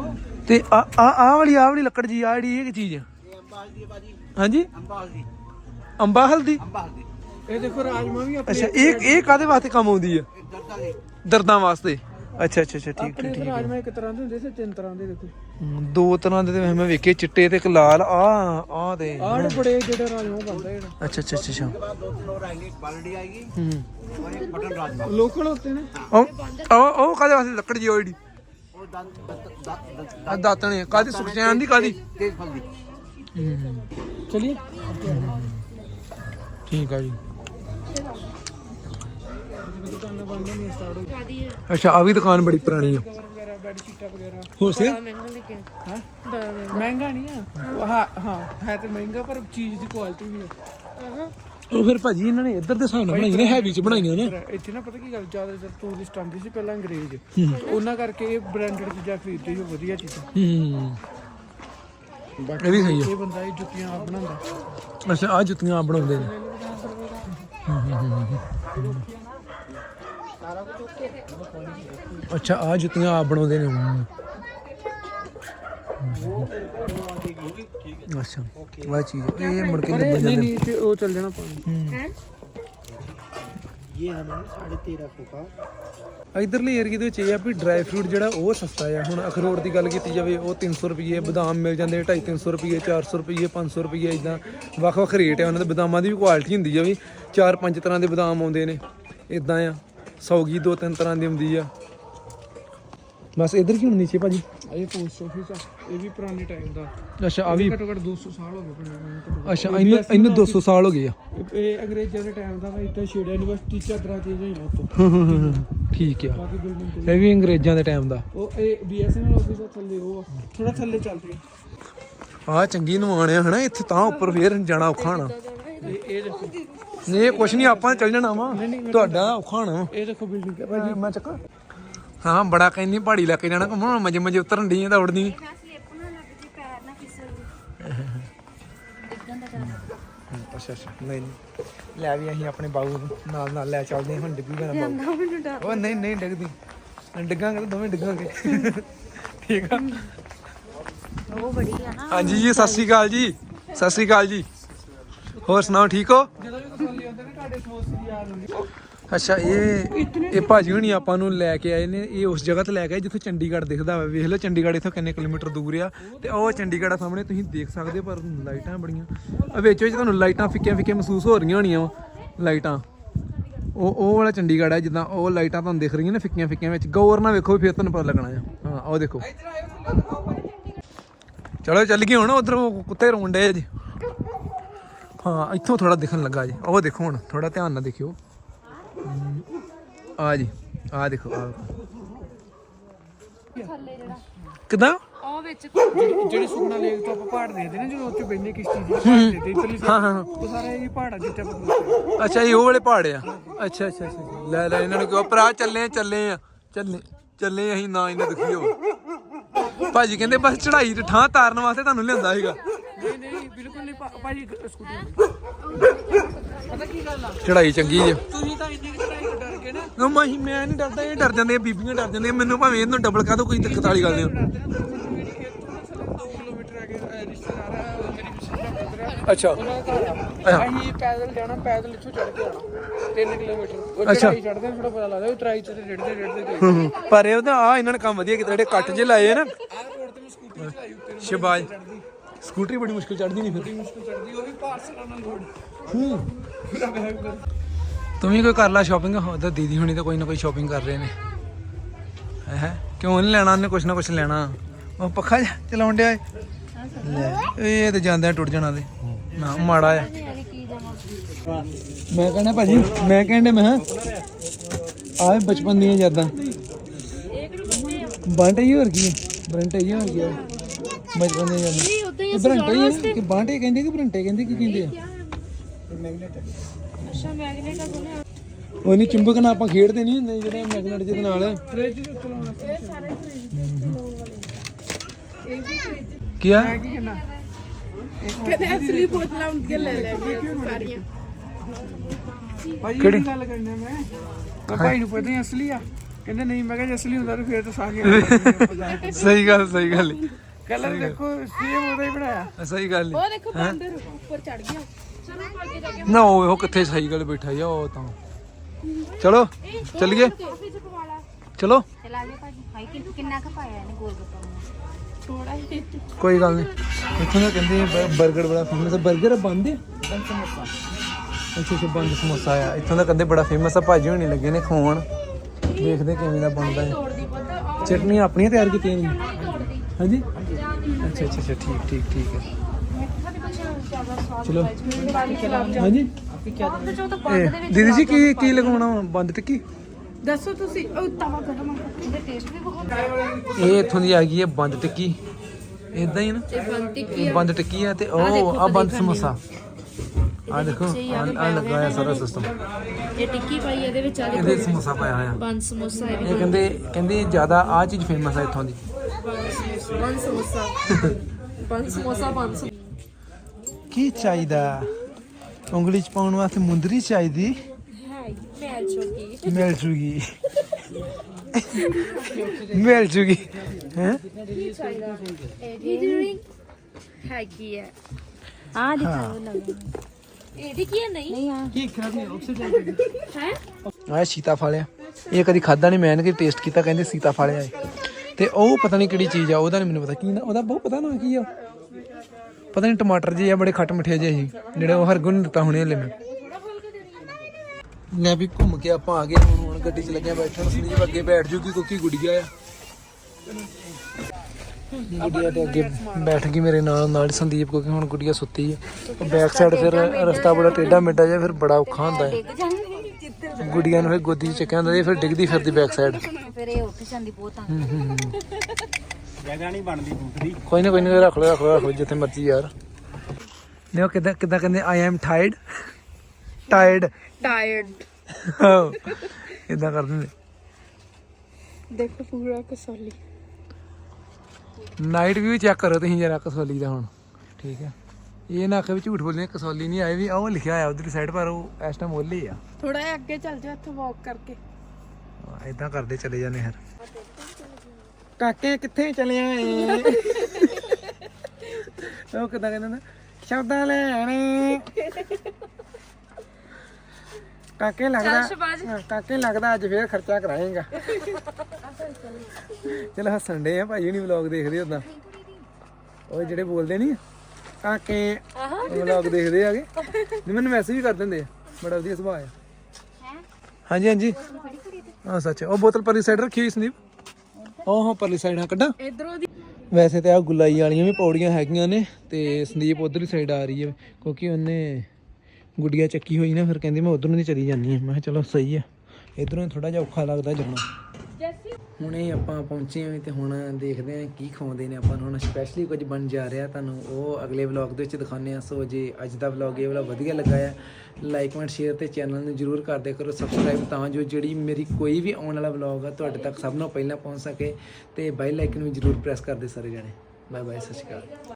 A: ਤੇ ਆ ਆ ਆਹ ਵਾਲੀ ਆਹ ਵਾਲੀ ਲੱਕੜ ਜੀ ਆ ਜਿਹੜੀ ਇਹ ਕੀ ਚੀਜ਼ ਆ?
D: ਇਹ ਅੰਬਾ ਹਲਦੀ ਹੈ ਬਾਜੀ,
A: ਹਾਂਜੀ
D: ਅੰਬਾ ਹਲਦੀ,
A: ਅੰਬਾ ਹਲਦੀ।
D: ਅੰਬਾ ਹਲਦੀ
B: ਇਹ ਦੇਖੋ ਰਾਜਮਾ ਵੀ ਆਪਣੇ
A: ਅੱਛਾ ਇਹ ਇਹ ਕਾਦੇ ਵਾਸਤੇ ਕੰਮ ਆਉਂਦੀ ਆ?
D: ਇਹ ਦਰਦਾਂ ਲਈ।
A: ਦਰਦਾਂ ਵਾਸਤੇ। ਅੱਛਾ ਅੱਛਾ ਅੱਛਾ ਠੀਕ
B: ਆਪਣੇ
A: ਠੀਕ
B: ਰਾਜਮਾ ਇੱਕ ਤਰ੍ਹਾਂ ਦੇ ਹੁੰਦੇ ਸੀ, ਤਿੰਨ ਤਰ੍ਹਾਂ ਦੇ ਦੇਖੋ।
A: ਹਮ, ਦੋ ਤਰ੍ਹਾਂ ਦੇ ਤੇ ਮੈਂ ਵੇਖੇ, ਚਿੱਟੇ ਤੇ ਇੱਕ ਲਾਲ। ਆ ਆ ਤੇ
B: ਆਹ ਬੜੇ ਜਿਹੜੇ ਰਾਜਮਾ ਬਣਦਾ ਜਿਹੜਾ
A: ਅੱਛਾ ਅੱਛਾ ਅੱਛਾ
D: उसके बाद दो तीन और आएंगे, एक बाल्टी आएगी
A: ਹੂੰ
D: और एक बटन राजमा
B: ਲੋਕਲ ਹੁੰਦੇ ਨੇ।
A: ਉਹ ਉਹ ਉਹ ਕਾਦੇ ਵਾਸਤੇ ਲੱਕੜ ਜੀ ਉਹ ਜਿਹੜੀ
D: और दान दान- दान-
A: ਆ ਦਾਤਣੇ ਕਾਦੀ ਸੁਖਚੈਨ ਦੀ ਕਾਦੀ?
D: तेज फल दी।
B: ਚਲਿਏ
A: ਠੀਕ ਆ ਜੀ।
B: ਦੁਕਾਨਾਂ ਬੰਦ ਨਹੀਂ ਸਟਾਰਟ ਹੋ
C: ਕਾਦੀ ਹੈ
A: ਅੱਛਾ ਆ ਵੀ ਦੁਕਾਨ ਬੜੀ ਪੁਰਾਣੀ ਆ।
B: ਵਗੈਰਾ ਬੈਡ ਸ਼ੀਟਾਂ ਵਗੈਰਾ।
A: ਹੋ ਸੇ
C: ਬੜਾ ਮਹਿੰਗਾ ਲੇਕਿਨ
B: ਹਾਂ
C: ਬੜਾ ਮਹਿੰਗਾ
B: ਮਹਿੰਗਾ ਨਹੀਂ ਆ ਉਹ ਹਾਂ ਹਾਂ ਹੈ ਤੇ ਮਹਿੰਗਾ ਪਰ ਚੀਜ਼ ਦੀ ਕੁਆਲਿਟੀ ਵੀ ਹੈ।
C: ਹਾਂ
A: ਉਹ ਫਿਰ ਭਾਜੀ ਇਹਨਾਂ ਨੇ ਇੱਧਰ ਦੇ ਹਿਸਾਬ ਨਾਲ ਬਣਾਈਆਂ ਨੇ, ਹੈਵੀ ਚ ਬਣਾਈਆਂ ਨੇ।
B: ਪਰ ਇੱਥੇ ਨਾ ਪਤਾ ਕੀ ਗੱਲ, ਜ਼ਿਆਦਾਤਰ ਟੂਰਿਸਟ ਆਉਂਦੇ ਸੀ ਪਹਿਲਾਂ ਅੰਗਰੇਜ਼,
A: ਹੂੰ।
B: ਤੇ ਉਹਨਾਂ ਕਰਕੇ ਇਹ ਬ੍ਰਾਂਡਡ ਚੀਜ਼ਾਂ ਖਰੀਦਦੇ ਸੀ, ਵਧੀਆ ਚੀਜ਼ਾਂ।
A: ਹੂੰ ਇਹ ਵੀ ਸਹੀ ਆ।
B: ਇਹ ਬੰਦਾ ਇਹ ਜੁੱਤੀਆਂ ਆਪ ਬਣਾਉਂਦਾ।
A: ਅੱਛਾ ਆ ਜੁੱਤੀਆਂ ਆਪ ਬਣਾਉਂਦੇ ਨੇ। ਅੱਛਾ ਆ ਜੁੱਤੀਆਂ ਆਪ ਬਣਾਉਂਦੇ ਨੇ। ਅੱਛਾ ਵਾਹ ਚੀਜ਼ ਇਹ ਮੁੜ ਕੇ ਲੱਗ
B: ਨਹੀਂ
A: ਜਾਂਦੇ।
B: ਨਹੀਂ ਤੇ ਉਹ ਚੱਲ ਜਾਣਾ ਪਾਣੀ।
C: ਹੈ
D: ये है मैंने साढ़े तेरह सौ का।
A: ਇਧਰਲੇ ਏਰੀਏ ਦੇ ਵਿੱਚ ਇਹ ਆ ਵੀ ਡਰਾਈ ਫਰੂਟ ਜਿਹੜਾ ਉਹ ਸਸਤਾ ਆ। ਹੁਣ ਅਖਰੋਟ ਦੀ ਗੱਲ ਕੀਤੀ ਜਾਵੇ ਉਹ ਤਿੰਨ ਸੌ ਰੁਪਏ, ਬਦਾਮ ਮਿਲ ਜਾਂਦੇ ਢਾਈ ਤਿੰਨ ਸੌ ਰੁਪਏ, ਚਾਰ ਸੌ ਰੁਪਏ, ਪੰਜ ਸੌ ਰੁਪਏ, ਇਦਾਂ ਵੱਖ ਵੱਖ ਰੇਟ ਆ ਉਹਨਾਂ ਦੇ। ਬਦਾਮਾਂ ਦੀ ਵੀ ਕੁਆਲਿਟੀ ਹੁੰਦੀ ਆ, ਵੀ ਚਾਰ ਪੰਜ ਤਰ੍ਹਾਂ ਦੇ ਬਦਾਮ ਆਉਂਦੇ ਨੇ ਇਦਾਂ ਆ। ਸੌਗੀ ਦੋ ਤਿੰਨ ਤਰ੍ਹਾਂ ਦੀ ਹੁੰਦੀ ਆ। ਬਸ ਇਧਰ ਕੀ ਹੁਣ ਨੀਚੇ ਭਾਜੀ?
B: ਇਹ ਪੋਸਟ ਆਫਿਸ ਆ, ਇਹ ਵੀ ਪੁਰਾਣੇ ਟਾਈਮ ਦਾ।
A: ਅੱਛਾ ਆ ਵੀ
B: ਘੱਟੋ ਘੱਟ ਦੋ ਸੌ ਸਾਲ ਹੋ ਗਏ ਬਣੇ ਨੂੰ।
A: ਅੱਛਾ ਇਹਨੂੰ ਇਹਨੂੰ ਦੋ ਸੌ ਸਾਲ ਹੋ ਗਏ ਆ।
B: ਇਹ ਅੰਗਰੇਜ਼ਾਂ ਦੇ ਟਾਈਮ ਦਾ ਵਾ। ਇੱਥੇ ਛੇੜਿਆ ਯੂਨੀਵਰਸਿਟੀ ਚਾਦਰਾਂ ਚੇਂਜ ਹੋਈਆਂ ਉੱਤੋਂ।
A: ਹੂੰ ਹੂੰ ਹੂੰ ਹੂੰ, ਠੀਕ ਆ।
B: ਬਾਕੀ ਬਿਲਡਿੰਗ ਤੇ
A: ਇਹ ਵੀ ਅੰਗਰੇਜ਼ਾਂ ਦੇ ਟਾਈਮ ਦਾ।
B: ਉਹ ਇਹ ਬੀਐਸਐਨਐਲ ਆਫਿਸ ਆ ਥੱਲੇ, ਉਹ ਆ ਥੋੜਾ ਥੱਲੇ ਚੱਲਦੇ ਆ।
A: ਆ ਚੰਗੀ ਨਵਾਣ ਆ ਹਨਾ। ਇੱਥੇ ਤਾਂ ਉੱਪਰ ਫੇਰ ਜਾਣਾ ਔਖਾ ਹੋਣਾ।
B: ਇਹ ਇਹ ਦੇਖੋ,
A: ਨਹੀਂ ਇਹ ਕੁਛ ਨਹੀਂ, ਆਪਾਂ ਚੱਲ ਜਾਣਾ ਵਾ। ਤੁਹਾਡਾ ਔਖਾ ਹੋਣਾ।
B: ਇਹ ਦੇਖੋ ਬਿਲਡਿੰਗ ਭਾਜੀ।
A: ਮੈਂ ਚੱਕਾਂ। ਹਾਂ ਬੜਾ ਕਹਿੰਦੀ ਪਹਾੜੀ ਲੈ ਕੇ ਜਾਣਾ ਘੁੰਮਣ, ਮਜੇ ਮਜੇ ਉਤਰਨ ਡੀ ਤਾਂ ਉੜਦੀ। ਅੱਛਾ ਅੱਛਾ ਨਹੀਂ ਨਹੀਂ ਲੈ ਵੀ ਅਸੀਂ ਆਪਣੇ ਬਾਊ ਨੂੰ ਨਾਲ ਨਾਲ ਲੈ ਚੱਲਦੇ ਹਾਂ। ਹੁਣ ਡਿੱਗੀ ਨਾ ਬਾਊ। ਉਹ ਨਹੀਂ ਨਹੀਂ ਡਿੱਗਦੀ, ਡਿੱਗਾਂਗੇ ਤਾਂ ਦੋਵੇਂ ਡਿੱਗਾਂਗੇ। ਠੀਕ ਆ।
C: ਉਹ ਬੜੀ ਆ ਨਾ।
A: ਹਾਂਜੀ ਜੀ ਸਤਿ ਸ਼੍ਰੀ ਅਕਾਲ ਜੀ। ਸਤਿ ਸ਼੍ਰੀ ਅਕਾਲ ਜੀ। ਹੋਰ ਸੁਣਾਓ ਠੀਕ ਹੋ?
B: ਜਦੋਂ ਵੀ ਕੋਈ ਆਉਂਦੇ ਨੇ ਤੁਹਾਡੇ ਦੋਸਤ ਦੀ ਯਾਦ ਹੁੰਦੀ।
A: ਅੱਛਾ ਇਹ ਇਹ ਭਾਜੀ ਹੁਣੀ ਆਪਾਂ ਨੂੰ ਲੈ ਕੇ ਆਏ ਨੇ। ਇਹ ਉਸ ਜਗ੍ਹਾ ਤੇ ਲੈ ਕੇ ਆਏ ਜਿੱਥੋਂ ਚੰਡੀਗੜ੍ਹ ਦਿਖਦਾ ਵਾ। ਵੇਖ ਲਓ ਚੰਡੀਗੜ੍ਹ ਇੱਥੋਂ ਕਿੰਨੇ ਕਿਲੋਮੀਟਰ ਦੂਰ ਆ, ਤੇ ਉਹ ਚੰਡੀਗੜ੍ਹ ਆ ਸਾਹਮਣੇ ਤੁਸੀਂ ਦੇਖ ਸਕਦੇ ਹੋ। ਪਰ ਲਾਈਟਾਂ ਬੜੀਆਂ ਆ ਵਿੱਚ ਵਿੱਚ, ਤੁਹਾਨੂੰ ਲਾਈਟਾਂ ਫਿੱਕੀਆਂ ਫਿੱਕੀਆਂ ਮਹਿਸੂਸ ਹੋ ਰਹੀਆਂ ਹੋਣੀਆਂ ਵਾ ਲਾਈਟਾਂ। ਉਹ ਉਹ ਵਾਲਾ ਚੰਡੀਗੜ੍ਹ ਹੈ, ਜਿੱਦਾਂ ਉਹ ਲਾਈਟਾਂ ਤੁਹਾਨੂੰ ਦਿਖ ਰਹੀਆਂ ਨੇ ਫਿੱਕੀਆਂ ਫਿੱਕੀਆਂ ਵਿੱਚ। ਗੌਰ ਨਾਲ ਵੇਖੋ ਫਿਰ ਤੁਹਾਨੂੰ ਪਤਾ ਲੱਗਣਾ ਆ। ਹਾਂ ਉਹ ਦੇਖੋ। ਚਲੋ ਚੱਲ ਗਏ ਹੁਣ। ਉਧਰ ਕੁੱਤੇ ਰੋਣ ਡੇ ਜੀ। ਹਾਂ ਇੱਥੋਂ ਥੋੜਾ ਦਿਖਣ ਲੱਗਾ ਜੀ। ਉਹ ਦੇਖੋ ਹੁਣ ਥੋੜਾ ਧਿਆਨ ਨਾਲ ਦੇਖਿਓ। ਆ ਜੀ ਆ ਦੇਖੋ ਆ ਕਿਦਾਂ
C: ਉਹ ਵਿੱਚ
B: ਜਿਹੜੀ ਸੁਖਨਾ ਲੇਕ ਤੋਂ ਆਪਾਂ ਪਹਾੜ ਦੇਖਦੇ ਨੇ, ਜਦੋਂ ਉੱਥੇ ਬੈਠੇ ਕਿਸ਼ਤੀ ਦੀ ਪਹਾੜ ਦੇ ਇਤਲੀ
A: ਹਾਂ ਹਾਂ
B: ਉਹ ਸਾਰਾ ਇਹ ਪਹਾੜ ਜਿੱਥੇ ਆਪਾਂ ਖਲੋਤੇ।
A: ਅੱਛਾ ਇਹ ਉਹ ਵਾਲੇ ਪਹਾੜ ਆ। ਅੱਛਾ ਅੱਛਾ ਅੱਛਾ ਲੈ ਲੈ ਇਹਨਾਂ ਨੂੰ ਕਿਹਾ ਭਰਾ ਚੱਲੇ ਆ ਚੱਲੇ ਆ ਚੱਲੇ ਚੱਲੇ ਅਸੀਂ ਨਾ ਇਹਨਾਂ ਦੁਖੀ ਹੋ। ਭਾਜੀ ਕਹਿੰਦੇ ਬਸ ਚੜਾਈ ਤੇ ਠਾਂ ਤਾਰਨ ਵਾਸਤੇ ਤੁਹਾਨੂੰ ਲਿਆਂਦਾ ਸੀਗਾ।
B: ਨਹੀਂ ਨਹੀਂ ਬਿਲਕੁਲ ਨਹੀਂ ਭਾ- ਭਾਜੀ ਸਕੂਟੀ ਪਤਾ ਕੀ ਗੱਲ ਆ,
A: ਚੜਾਈ ਚੰਗੀ ਜੀ।
B: ਤੁਸੀਂ ਤਾਂ ਇੰਨੀ ਕੁ ਚੜਾਈ ਤੋਂ ਡਰ ਗਏ ਨਾ।
A: ਨਾ ਮੈਂ ਮੈਂ ਨਹੀਂ ਡਰਦਾ, ਇਹ ਡਰ ਜਾਂਦੇ ਆ, ਬੀਬੀਆਂ ਡਰ ਜਾਂਦੀਆਂ। ਮੈਨੂੰ ਭਾਵੇਂ ਇਹਨੂੰ ਡਬਲ ਕਾ ਦੋ, ਕੋਈ ਦਿੱਕਤ ਵਾਲੀ ਗੱਲ ਨਹੀਂ।
B: ਡਰਦੇ ਨਾ ਮੇਰੀ ਇੱਥੋਂ ਨਾ ਥੱਲੇ ਦੋ ਕਿਲੋਮੀਟਰ ਅੱਗੇ ਅਹ, ਰਿਸ਼ਤੇਦਾਰ ਆ, ਉਹ ਮੇਰੀ ਸਿਸਟਰ ਬ੍ਰਦਰ ਆ,
A: ਅੱਛਾ
B: ਉਹਨਾਂ ਦਾ ਘਰ ਆ। ਅਸੀਂ ਪੈਦਲ ਜਾਣਾ, ਪੈਦਲ ਇੱਥੋਂ ਚੜ ਕੇ ਆਉਣਾ ਤਿੰਨ ਕਿਲੋਮੀਟਰ। ਉਹ ਚੜਾਈ ਚੜਦੇ ਥੋੜਾ ਪਤਾ ਲੱਗਦਾ, ਉਹ ਟਰਾਈ ਚ ਰੇੜਦੇ ਰੇੜਦੇ ਗਏ।
A: ਹੂੰ ਹੂੰ। ਪਰ ਇਹ ਤਾਂ ਆ ਇਹਨਾਂ ਨੇ ਕੰਮ ਵਧੀਆ ਕੀਤਾ, ਜਿਹੜੇ ਕੱਟ ਜੇ ਲਾਏ ਆ ਨਾ।
B: ਆਹ ਰੋਡ ਤੇ ਮੈਂ ਸਕੂਟੀ ਚਲਾਈ ਉੱਤੇ ਨੂੰ,
A: ਸ਼ਬਾਜ। ਸਕੂਟਰੀ ਬੜੀ ਮੁਸ਼ਕਿਲ ਚੜਦੀ ਨਹੀਂ ਫਿਰ।
B: ਮੁਸ਼ਕਿਲ ਚੜਦੀ, ਉਹ ਵੀ ਪਾਰਸਲਾਂ ਨਾਲ ਲੋਡ।
A: ਹੂੰ
B: ਪੂਰਾ ਬੈਗ ਕਰ।
A: ਤੂੰ ਵੀ ਕੋਈ ਕਰ ਲੈ ਸ਼ਾਪਿੰਗ। ਉਹਦਾ ਦੀਦੀ ਹੁਣੀ ਤਾਂ ਕੋਈ ਨਾ ਕੋਈ ਸ਼ਾਪਿੰਗ ਕਰ ਰਹੇ ਨੇ। ਹੈ ਕਿਉਂ ਨਹੀਂ ਲੈਣਾ ਉਹਨੇ? ਕੁਛ ਨਾ ਕੁਛ ਲੈਣਾ। ਉਹ ਪੱਖਾ ਚਲਾਉਣ ਡਿਆ ਏ। ਲੈ ਇਹ ਤੇ ਜਾਂਦਿਆਂ ਟੁੱਟ ਜਾਣਾ ਤੇ ਨਾ ਮਾੜਾ ਆ। ਮੈਂ ਕਹਿੰਦਾ ਭਾਜੀ, ਮੈਂ ਕਹਿੰਦਾ ਮੈਂ ਹਾਂ ਆਹ ਬਚਪਨ ਦੀਆਂ ਯਾਦਾਂ। ਬਾਂਟੇ ਹੀ ਹੋਰ ਕੀ ਬਰੰਟੇ ਹੀ ਹੋਰ ਕੀ ਆ ਬਚਪਨ ਦੀਆਂ ਯਾਦਾਂ।
C: ਨਹੀਂ ਉਦਾਂ ਹੀ
A: ਇਹ ਬਰੰਟੇ ਹੀ ਆ ਕਿ ਬਾਂਟੇ ਕਹਿੰਦੇ ਕਿ ਬਰੰਟੇ ਕਹਿੰਦੇ ਕੀ ਕਹਿੰਦੇ ਆ?
C: ਅੱਛਾ ਮੈਗਨੇਟ ਆ ਸੁਣਿਆ।
A: ਉਹ ਨਹੀਂ ਚੁੰਬਕ ਨਾਲ ਆਪਾਂ ਖੇਡਦੇ ਨਹੀਂ ਹੁੰਦੇ ਜਿਹੜੇ ਮੈਗਨੇਟ ਜਿਹਦੇ ਨਾਲ।
B: ਫ੍ਰਿਜ ਦੇ ਉੱਤੇ ਲਾਉਣਾ।
A: ਕੀ ਆ?
B: ਕੀ ਕਹਿਣਾ?
C: ਕਹਿੰਦੇ ਅਸਲੀ ਬੋਤਲਾਂ ਹੁੰਦੀਆਂ ਲੈ ਲੈ ਸਾਰੀਆਂ।
B: ਭਾਈ
A: ਕਿਹੜੀ?
B: ਇਹ ਗੱਲ ਕਰਨਾ ਮੈਂ ਮੈਂ ਭਾਈ ਨੂੰ ਪੁੱਛਦੇ ਅਸਲੀ ਆ। ਕਹਿੰਦੇ ਨਹੀਂ ਮੈਂ ਕਿਹਾ ਅਸਲੀ ਹੁੰਦਾ ਤਾਂ ਫੇਰ ਤਾਂ ਸਾਰੀਆਂ
A: ਸਹੀ ਗੱਲ ਸਹੀ ਗੱਲ
B: ਕਲਰ ਦੇਖੋ ਸੇਮ ਉਹਦਾ ਹੀ ਬਣਾਇਆ
A: ਸਹੀ ਗੱਲ
C: ਉਹ ਦੇਖੋ ਬਾਂਦਰ ਉੱਪਰ ਚੜ ਗਿਆ ਚਲੋ ਅੱਗੇ ਜਾ ਕੇ
A: ਨਾ ਉਹ ਕਿੱਥੇ ਸਹੀ ਗੱਲ ਬੈਠਾ ਜਾ ਉਹ ਤਾਂ ਚਲੋ ਚੱਲੀਏ
C: ਕਾਫੀ ਚ ਪਵਾ ਲਾ
A: ਚਲੋ
E: ਚਲਾ ਲਿਆ ਭਾਜੀ ਹਾਈ ਕਿ ਕਿੰਨਾ ਕੁ ਪਾਇਆ ਇਹਨੇ ਗੋਲ ਗੱਪਾ ਨੂੰ
C: ਥੋੜਾ ਹੀ
A: ਕੋਈ ਗੱਲ ਨਹੀਂ ਇੱਥੋਂ ਦਾ ਕਹਿੰਦੇ 버ਗਰ ਬੜਾ ਫੇਮਸ ਹੈ 버ਗਰ ਬੰਦ ਹੈ ਅੱਛਾ ਅੱਛਾ ਬੰਦ ਸਮੋਸਾ ਆ ਇੱਥੋਂ ਦਾ ਕਹਿੰਦੇ ਬੜਾ ਫੇਮਸ ਆ ਭਾਜੀ ਹੋਣੀ ਲੱਗੇ ਨੇ ਖਵਾਉਣ ਦੇਖਦੇ ਕਿਵੇਂ ਦਾ ਬਣਦਾ ਹੈ
C: ਤੋੜਦੀ ਪੁੱਤ
A: ਚਟਨੀਆਂ ਆਪਣੀਆਂ ਤਿਆਰ ਕੀਤੀਆਂ ਨੇ ਹਾਂਜੀ ਅੱਛਾ ਅੱਛਾ ਅੱਛਾ ਠੀਕ ਠੀਕ ਠੀਕ ਹੈ ਚਲੋ ਹਾਂਜੀ ਇਹ ਦੀਦੀ ਜੀ ਕੀ ਕੀ ਲਗਾਉਣਾ ਵਾ? ਬੰਦ ਟਿੱਕੀ
C: ਦੱਸੋ ਤੁਸੀਂ ਉਹ ਤਵਾ ਗਰਮ ਆ ਇਹਦਾ ਟੇਸਟ ਵੀ ਬਹੁਤ
A: ਇਹ ਇੱਥੋਂ ਦੀ ਆ ਗਈ ਹੈ ਬੰਦ ਟਿੱਕੀ ਇਦਾਂ ਹੀ ਨਾ
C: ਇਹ ਬੰਤੀ
A: ਇਹ ਬੰਦ ਟਿੱਕੀ ਹੈ ਤੇ ਉਹ ਆ ਬੰਦ ਸਮੋਸਾ ਆ ਦੇਖੋ ਆ ਲੱਗਾ ਹੋਇਆ ਸਾਰਾ ਸਿਸਟਮ
C: ਇਹ ਟਿੱਕੀ ਪਾਈ ਇਹਦੇ ਵਿੱਚ ਆ
A: ਇਹਦੇ ਵਿੱਚ ਸਮੋਸਾ ਪਾਇਆ ਹੋਇਆ
C: ਬੰਦ ਸਮੋਸਾ ਹੈ
A: ਇਹ ਕਹਿੰਦੇ ਕਹਿੰਦੇ ਜ਼ਿਆਦਾ ਆ ਚੀਜ਼ ਫੇਮਸ ਹੈ ਇੱਥੋਂ ਦੀ
C: ਬੰਦ ਸਮੋਸਾ ਬੰਦ ਸਮੋਸਾ ਬੰਦ
A: ਕੀ ਚਾਹੀਦਾ ਉਂਗਲੀ ਚ ਪਾਉਣ ਵਾਸਤੇ ਮੁੰਦਰੀ ਚਾਹੀਦੀ
C: ਹੈ ਮੈਂ ਚੋਕੀ
A: ਮਿਲ ਜੂਗੀ ਮਿਲ ਜੂਗੀ ਹੈ
C: ਇੰਜੀਨੀਅਰਿੰਗ ਹੈ ਕੀ ਹੈ
E: ਆ ਦਿਖਾਓ ਲੱਗ
C: ਇਹਦੀ ਕੀ ਹੈ ਨਹੀਂ
B: ਕੀ ਖਰਾਬ ਨਹੀਂ ਆਕਸੀਜਨ
C: ਹੈ
A: ਆ ਸੀਤਾਫਲ ਆ ਇਹ ਕਦੀ ਖਾਦਾ ਨਹੀਂ ਮੈਂ ਨੇ ਕਿ ਟੇਸਟ ਕੀਤਾ ਕਹਿੰਦੇ ਸੀਤਾਫਲ ਆ ਇਹ। ਤੇ ਉਹ ਪਤਾ ਨਹੀਂ ਕਿਹੜੀ ਚੀਜ਼ ਆ ਉਹਦਾ ਨਹੀਂ ਮੈਨੂੰ ਪਤਾ ਕੀ ਨਾ ਉਹਦਾ ਬਹੁਤ ਪਤਾ ਨਾ ਕੀ ਆ ਪਤਾ ਨਹੀਂ ਟਮਾਟਰ ਜਿਹੇ ਆ ਬੜੇ ਖੱਟ ਮਿੱਠੇ ਜਿਹੇ ਸੀ ਜਿਹੜੇ ਉਹ ਹਰਗੁਣ ਨੇ ਦਿੱਤਾ ਹੁਣੇ ਹਲੇ ਮੈਂ ਲੈ ਵੀ ਘੁੰਮ ਕੇ ਆਪਾਂ ਆ ਗਏ ਹੁਣ ਹੁਣ ਗੱਡੀ 'ਚ ਲੱਗਿਆ ਬੈਠਣ ਸੰਦੀਪ ਅੱਗੇ ਬੈਠ ਜੂਗੀ ਕਿਉਂਕਿ ਗੁੜੀਆ ਆ ਗੁੜੀਆ ਤੇ ਅੱਗੇ ਬੈਠ ਗਈ ਮੇਰੇ ਨਾਲ ਨਾਲ ਸੰਦੀਪ ਕਿਉਂਕਿ ਹੁਣ ਗੁੜੀਆ ਸੁੱਤੀ ਹੈ ਬੈਕ ਸਾਈਡ ਫਿਰ ਰਸਤਾ ਬੜਾ ਟੇਢਾ ਮੇਢਾ ਜਿਹਾ ਫਿਰ ਬੜਾ ਔਖਾ ਹੁੰਦਾ ਹੈ ਗੁੜੀਆ ਨੂੰ ਫਿਰ ਗੋਦੀ 'ਚ ਚੱਕਿਆ ਹੁੰਦਾ ਫਿਰ ਡਿੱਗਦੀ ਫਿਰਦੀ ਬੈਕ ਸਾਈਡ
E: ਫਿਰ ਇਹ ਉੱਠ ਜਾਂਦੀ ਬਹੁਤ ਆ
D: ਜਗ੍ਹਾ ਨਹੀਂ ਬਣਦੀ ਦੂਸਰੀ
A: ਕੋਈ ਨਾ ਕੋਈ ਨਾ ਰੱਖ ਲਓ ਰੱਖ ਲਓ ਰੱਖ ਲਓ ਜਿੱਥੇ ਮਰਜ਼ੀ ਯਾਰ ਨਹੀਂ ਉਹ ਕਿੱਦਾਂ ਕਿੱਦਾਂ ਕਹਿੰਦੇ ਆਈ ਐਮ ਟਾਇਰਡ ਟਾਇਰਡ
C: ਟਾਇਰਡ
A: ਇਦਾਂ ਕਰ ਦਿੰਦੇ
C: ਦੇਖੋ ਪੂਰਾ ਕਸੌਲੀ
A: ਨਾਈਟ ਵਿਊ ਚੈੱਕ ਕਰੋ ਤੁਸੀਂ ਜਰਾ ਕਸੌਲੀ ਦਾ ਹੁਣ ਠੀਕ ਹੈ ਇਹ ਨਾ ਕਿ ਵੀ ਝੂਠ ਬੋਲਣੇ ਕਸੌਲੀ ਨਹੀਂ ਆਏ ਵੀ ਉਹ ਲਿਖਿਆ ਹੋਇਆ ਉਧਰਲੀ ਸਾਈਡ ਪਰ ਉਹ ਇਸ ਟਾਈਮ ਓਲੇ ਆ
C: ਥੋੜਾ ਜਿਹਾ ਅੱਗੇ ਚੱਲ ਜਾ ਇੱਥੇ ਵਾਕ ਕਰਕੇ
A: ਇਦਾਂ ਕਰਦੇ ਚਲੇ ਜਾਂਦੇ ਹਰ
B: ਕਾਕੇ ਕਿੱਥੇ ਚਲੇ ਆਏ ਉਹ ਕਿਦਾਂ ਕਹਿੰਦਾ ਨਾ ਸ਼ਬਦਾਂ ਲੈਣੇ ਕਾਕੇ ਲੱਗਦਾ ਹਾਂ, ਕਾਕੇ ਲੱਗਦਾ ਅੱਜ ਫੇਰ ਖਰਚਾ ਕਰਾਏਗਾ ਚਲ ਹੱਸਣ ਡੇ ਆ ਭਾਈ ਹੁਣੀ ਵਲੌਗ ਦੇਖਦੇ ਉਦਾਂ ਉਹ ਜਿਹੜੇ ਬੋਲਦੇ ਨਹੀਂ ਕਾਕੇ ਵਲੌਗ ਦੇਖਦੇ ਆਗੇ ਨਹੀਂ ਮੈਨੂੰ ਮੈਸੇਜ ਵੀ ਕਰ ਦਿੰਦੇ ਆ ਬੜਾ ਵਧੀਆ ਸੁਭਾਅ ਆ ਹਾਂਜੀ ਹਾਂਜੀ ਹਾਂ ਸੱਚ ਉਹ ਬੋਤਲ ਪਰਲੀ ਸਾਈਡ ਰੱਖੀ ਹੋਈ ਸੰਦੀਪ ਉਹ ਹਾਂ ਪਰਲੀ ਸਾਈਡ ਹਾਂ ਕੱਢਾਂ
C: ਇਧਰੋਂ ਦੀ
A: ਵੈਸੇ ਤੇ ਆ ਗੁਲਾਈ ਵਾਲੀਆਂ ਵੀ ਪੌੜੀਆਂ ਹੈਗੀਆਂ ਨੇ ਤੇ ਸੰਦੀਪ ਉਧਰਲੀ ਸਾਈਡ ਆ ਰਹੀ ਹੈ ਕਿਉਂਕਿ ਉਹਨੇ ਗੁੱਡੀਆਂ ਚੱਕੀ ਹੋਈ ਨਾ ਫਿਰ ਕਹਿੰਦੀ ਮੈਂ ਉਧਰ ਨੂੰ ਦੀ ਚਲੀ ਜਾਂਦੀ ਹਾਂ ਮੈਂ ਕਿਹਾ ਚਲੋ ਸਹੀ ਆ ਇਧਰੋਂ ਥੋੜਾ ਜਿਹਾ ਔਖਾ ਲੱਗਦਾ ਜਾਣਾ ਹੁਣੇ ਆਪਾਂ ਪਹੁੰਚੇ ਹਾਂ ਤੇ ਹੁਣ ਦੇਖਦੇ ਹਾਂ ਕੀ ਖਵਾਉਂਦੇ ਨੇ ਆਪਾਂ ਨੂੰ ਹੁਣ ਸਪੈਸ਼ਲੀ ਕੁਝ ਬਣ ਜਾ ਰਿਹਾ ਤੁਹਾਨੂੰ ਉਹ ਅਗਲੇ ਵਲੌਗ ਦੇ ਵਿੱਚ ਦਿਖਾਉਂਦੇ ਹਾਂ ਸੋ ਜੇ ਅੱਜ ਦਾ ਵਲੌਗ ਇਹ ਵਾਲਾ ਵਧੀਆ ਲੱਗਾ ਹੈ ਲਾਈਕ ਕਮੈਂਟ ਸ਼ੇਅਰ ਤੇ ਚੈਨਲ ਨੂੰ ਜਰੂਰ ਕਰ ਦਿਆ ਕਰੋ ਸਬਸਕ੍ਰਾਈਬ ਤਾਂ ਜੋ ਜਿਹੜੀ ਮੇਰੀ ਕੋਈ ਵੀ ਆਉਣ ਵਾਲਾ ਵਲੌਗ ਆ ਤੁਹਾਡੇ ਤੱਕ ਸਭ ਤੋਂ ਪਹਿਲਾਂ ਪਹੁੰਚ ਸਕੇ ਤੇ ਬੈਲ ਆਈਕਨ ਵੀ ਜਰੂਰ ਪ੍ਰੈਸ ਕਰ ਦੇ ਸਾਰੇ ਜਣੇ ਬਾਏ ਬਾਏ ਸਤਿ ਸ਼੍ਰੀ ਅਕਾਲ